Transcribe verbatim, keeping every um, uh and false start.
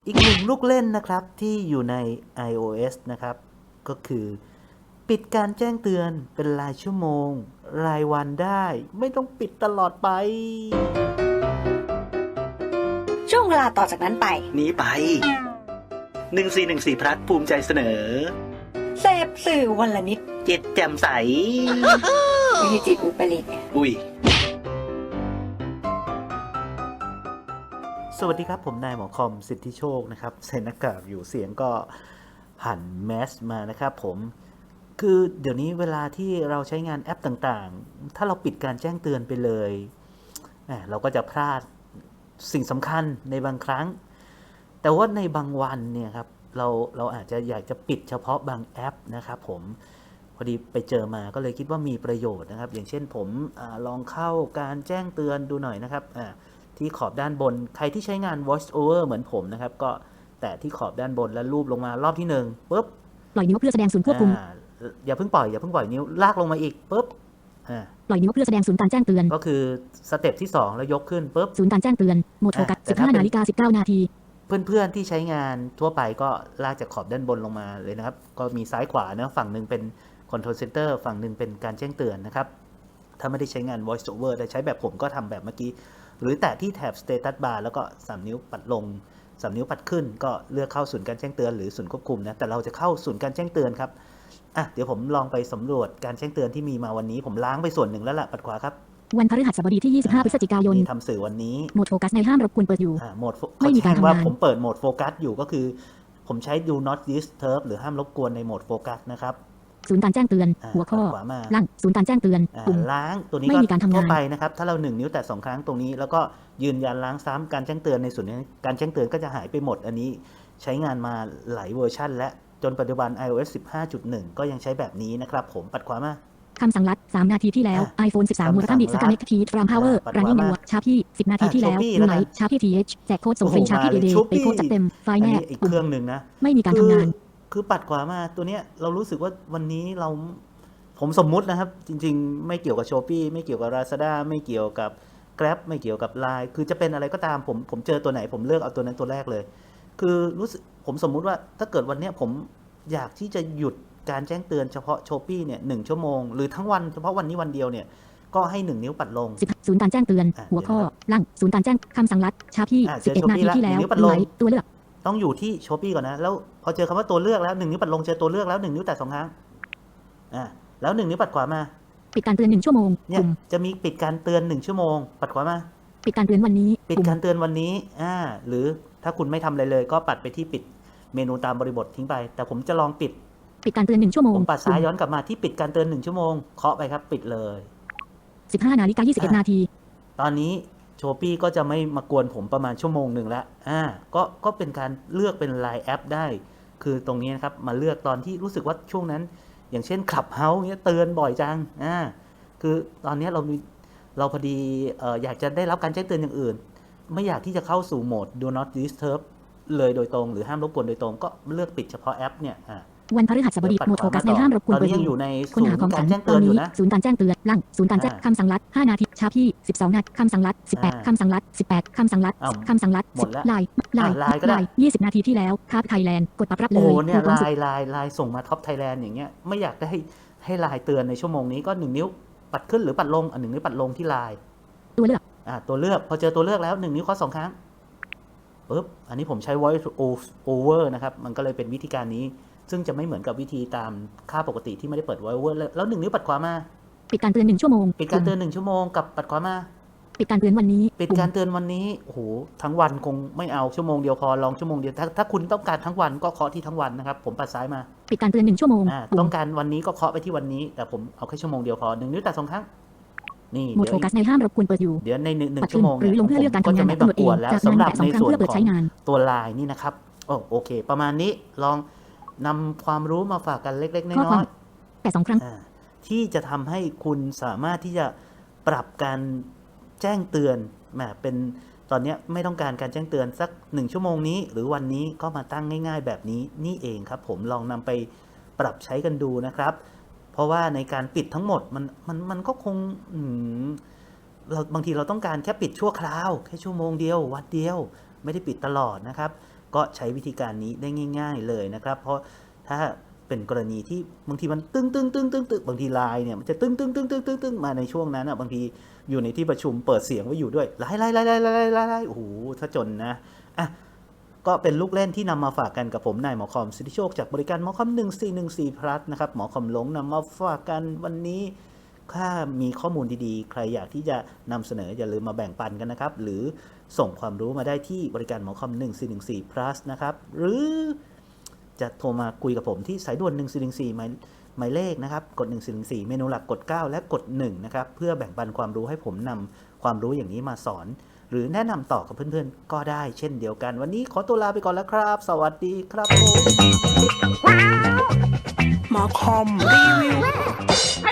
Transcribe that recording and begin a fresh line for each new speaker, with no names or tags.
อีกหนึ่งลูกเล่นนะครับที่อยู่ใน iOS นะครับก็คือปิดการแจ้งเตือนเป็นรายชั่วโมงรายวันได้ไม่ต้องปิดตลอดไป
ช่วงเวลาต่อจากนั้นไป
นี้ไปหนึ่งสี่หนึ่งสี่พลัดภูมิใจเสนอ
เสพสื่อวันละนิด
เจ็ดแจ่มใส
ไม่ใช่จิตอุปริต
อุ้ยสวัสดีครับผมนายหมอคอมสิทธิโชคนะครับใส่หน้ากากอยู่เสียงก็หันแมสมานะครับผมคือเดี๋ยวนี้เวลาที่เราใช้งานแอปต่างๆถ้าเราปิดการแจ้งเตือนไปเลยเราก็จะพลาดสิ่งสำคัญในบางครั้งแต่ว่าในบางวันเนี่ยครับเราเราอาจจะอยากจะปิดเฉพาะบางแอปนะครับผมพอดีไปเจอมาก็เลยคิดว่ามีประโยชน์นะครับอย่างเช่นผมอลองเข้าการแจ้งเตือนดูหน่อยนะครับที่ขอบด้านบนใครที่ใช้งาน voice over เหมือนผมนะครับก็แตะที่ขอบด้านบนแล้วลูบลงมารอบที่หนึ่งปุ๊บ
ปล่อยนิ้วเพื่อแสดงศูนย์ควบคุม
อย่าเพิ่งปล่อยอย่าเพิ่งปล่อยนิ้วลากลงมาอีกปุ๊บ
ปล่อยนิ้วเพื่อแสดงศูนย์การแจ้งเตือน
ก็คือสเต็ปที่สองแล้วยกขึ้นปุ๊บ
ศูนย์การแจ้งเตือนโหมดโฟกัส สิบห้านาฬิกาสิบเก้านาที
เพื่อนๆที่ใช้งานทั่วไปก็ลากจากขอบด้านบนลงมาเลยนะครับก็มีซ้ายขวานะฝั่งหนึ่งเป็น control center ฝั่งหนึ่งเป็นการแจ้งเตือนนะครับถ้าไม่ได้ใช้งาน voice over แต่ใช้แบบผมก็ทำแบบเมื่อกี้หรือแตะที่แถบ status bar แล้วก็สามนิ้วปัดลงสามนิ้วปัดขึ้นก็เลือกเข้าศูนย์การแจ้งเตือนหรือศูนย์ควบคุมนะแต่เราจะเข้าศูนย์การแจ้งเตือนครับอ่ะเดี๋ยวผมลองไปสำรวจการแจ้งเตือนที่มีมาวันนี้ผมล้างไปส่วนหนึ่งแล้วล่ะปัดขวาครับ
วันพฤหัสบดีที่ยี่สิบห้าพฤศจิกายน
ทำสื่อวันนี้
โหมดโฟกัสในห้ามรบกวนเปิดอยู่
โหมดไม่มีการทำงานว่าผมเปิดโหมดโฟกัสอยู่ก็คือผมใช้ do not disturb หรือห้ามรบกวนในโหมดโฟกัสนะครับ
ศูนย์การแจ้งเตือนหัวข้อล่างศูนย์การแจ้งเตือน
ปุ่มล้างตัวนี้ก็ทั่วไปนะครับถ้าเราหนึ่งนิ้วแตะสองครั้งตรงนี้แล้วก็ยืนยันล้างซ้ำการแจ้งเตือนในส่วนนี้การแจ้งเตือนก็จะหายไปหมดอันนี้ใช้งานมาหลายเวอร์ชันและจนปัจจุบัน iOS สิบห้าจุดหนึ่ง ก็ยังใช้แบบนี้นะครับผมปัดขวามา
คำสั่งลัดสามนาทีที่แล้ว iPhone สิบสามมูลค่าบิดสกาเน็กทีฟรามพาวเวอร์รันนิ่งยูชาร์พี่สิบนาทีที่แล้วยูไลท์ชาร์พี่ทีเอชแจกโค้ดส่งฟรีชาร์พี่เดย์ไปโค้ดจัดเต็มไฟล์แนบ
อีกเครื่องหนึ่งนะ
ไม่มีการทำงาน
คือปัดขวามาตัวเนี้ยเรารู้สึกว่าวันนี้เราผมสมมุตินะครับจริงๆไม่เกี่ยวกับ Shopee ไม่เกี่ยวกับ Lazada ไม่เกี่ยวกับ Grab ไม่เกี่ยวกับ ไลน์ คือจะเป็นอะไรก็ตามผมผมเจอตัวไหนผมเลือกเอาตัวนั้นตัวแรกเลยคือรู้สึกผมสมมุติว่าถ้าเกิดวันนี้ผมอยากที่จะหยุดการแจ้งเตือนเฉพาะ Shopee เนี่ยหนึ่งชั่วโมงหรือทั้งวันเฉพาะวันนี้วันเดียวเนี่ยก็ให้หนึ่งนิ้วปัดลง
ศูนย์การแจ้งเตือนหัวข้อล่างศูนย์การแจ้งคำสั่งลัดชาร์พี่สิบเอ็ดนาทีที่แล้วไลท์ตัวเลือก
ต้องอยู่ที่ Shopee ก่อนนะแล้วพอเจอคำว่าตัวเลือกแล้วหนึ่งนิ้วปัดลงเจอตัวเลือกแล้วหนึ่งนิ้วแตะสองครั้งอ่าแล้วหนึ่งนิ้วปัดขวามา
ปิดการเตือนหนึ่งชั่วโมง
เนี่ยจะมีปิดการเตือนหนึ่งชั่วโมงปัดขวามา
ปิดการเตือนวันนี้
ปิดการเตือนวันนี้อ่าหรือถ้าคุณไม่ทำอะไรเลยก็ปัดไปที่ปิดเมนูตามบริบททิ้งไปแต่ผมจะลองปิด
ปิดการเตือนหนึ่งชั่วโมง
ผมปัดซ้ายย้อนกลับมาที่ปิดการเตือนหนึ่งชั่วโมงเคาะไปครับปิดเลย
สิบห้านาฬิกายี่สิบเอ็ดนาที
ตอนนี้ Shopee ก็จะไม่มากวนผมประมาณชั่วโมงหนึ่งแล้วอ่าก็ก็เป็นการเลือกเป็น ไลน์ แอปได้คือตรงนี้นะครับมาเลือกตอนที่รู้สึกว่าช่วงนั้นอย่างเช่น Clubhouse เนี้ยเตือนบ่อยจังอ่าคือตอนนี้เราเราพอดีเอ่ออยากจะได้รับการแจ้งเตือนอย่างอื่นไม่อยากที่จะเข้าสู่โหมด do not disturb เลยโดยตรงหรือห้ามรบกวนโดยตรงก็เลือกปิดเฉพาะแอปเนี่ยอ่า
วันพฤหัสบดีโหมดโฟกัสในห้ามรบกวนเปิด
อยู่ใน
ค้นหาความสั่งตอนนี้ศูนย์การแจ้งเตือนล่างศูนย์การแจ้งคำสั่งลัดห้านาทีชาร์พี่สิบสองนาทีคำสั่งลัดสิบแปดคำสั่งลัดสิบแปดคำสั่งลัดคำสั่งลัดไลน์ไลน์ไลน์ยี่สิบนาทีที่แล้วคาบไทยแลนด์กดปรับรับเลย
โอ้เนี่ยไลน์ไลน์ไลน์ส่งมาท็อปไทยแลนด์อย่างเงี้ยไม่อยากได้ให้ไลน์เตือนในชั่วโมงนี้ก็หนึ่งนิ้วปัดขึ้นหรือปัดลงอันหนึ่งนิ้วปัดลงที่ไลน์
ตัวเลือก
อ่าตัวเลือกพอเจอตัวเลือกแล้วหนึ่งนิ้วเคาะสองครั้งปึ๊บอันนี้ผมใช้ voice over นะครับมันก็เลยเป็นวิธีการนี้ซึ่งจะไม่เหมือนกับวิธีตามค่าปกติที่ไม่ได้เปิด voice over แล้วหนึ่งนิ้วปัดขวามา
ปิดการเตือนหนึ่งชั่วโมง
ปิดการเตือนหนึ่งชั่วโมงกับปัดขวามา
ปิดการเตือนวันนี้
ปิดการเตือนวันนี้โอ้โหทั้งวันคงไม่เอาชั่วโมงเดียวพอลองชั่วโมงเดียวถ้าถ้าคุณต้องการทั้งวันก็เคาะที่ทั้งวันนะครับผมปัดซ้ายมา
ปิดการเตือนหนึ่งชั่วโมง
ต้องการวันนี้ก็เคาะไปที่วันนี้แต่ผมเอาแค่ชั่วโมงเดียวพอหนึ่งนิ้วแตะสองครั้งนี่
โหมดโฟกัสในห้ามรบกวนเปิดอยู่
เดี๋ยวในหนึ่งชั่วโมง
หรือลงเพื่อเลือกการทำงานแบบกำหนดเอง
แล้วสำหรับในส่วนของตัวไลน์นี่นะครับโอ้โอเคประมาณนี้ลองนำความรู้มาฝากกันเล็กๆน้อย
ๆแต่สองครั้ง
ที่จะทำให้คุณสามารถที่จะปรับการแจ้งเตือนมาเป็นตอนนี้ไม่ต้องการการแจ้งเตือนสักหนึ่งชั่วโมงนี้หรือวันนี้ก็มาตั้งง่ายๆแบบนี้นี่เองครับผมลองนำไปปรับใช้กันดูนะครับเพราะว่าในการปิดทั้งหมดมันมันมันก็คงเราบางทีเราต้องการแค่ปิดชั่วคราวแค่ชั่วโมงเดียววันเดียวไม่ได้ปิดตลอดนะครับก็ใช้วิธีการนี้ได้ง่าย ๆเลยนะครับเพราะถ้าเป็นกรณีที่บางทีมันตึ้งตึ้งตึ้งตึ้งตึ้งบางทีไลน์เนี่ยมันจะตึ้งตึ้งตึ้งตึ้งตึ้งตึ้งมาในช่วงนั้นอ่ะบางทีอยู่ในที่ประชุมเปิดเสียงไว้อยู่ด้วยไล่ไล่ไล่ไล่ไล่ไล่ไล่โอ้โหถ้าจนนะอ่ะก็เป็นลูกเล่นที่นำมาฝากกันกับผมนายหมอคอมสิทธิโชคจากบริการหมอคอมหนึ่งสี่หนึ่งสี่ plus นะครับหมอคอมหลงนำมาฝากกันวันนี้ถ้ามีข้อมูลดีๆใครอยากที่จะนำเสนออย่าลืมมาแบ่งปันกันนะครับหรือส่งความรู้มาได้ที่บริการหมอคอมหนึ่งสี่หนึ่งสี่ plus นะครับหรือจะโทรมาคุยกับผมที่สายด่วนหนึ่งสี่หนึ่งสี่หมายหมายเลขนะครับกดหนึ่งสี่หนึ่งสี่เมนูหลักกดเก้าและกดหนึ่งนะครับเพื่อแบ่งปันความรู้ให้ผมนำความรู้อย่างนี้มาสอนหรือแนะนำต่อกับเพื่อนๆก็ได้เช่นเดียวกันวันนี้ขอตัวลาไปก่อนแล้วครับสวัสดีครับผม
หมอคอมรีวิว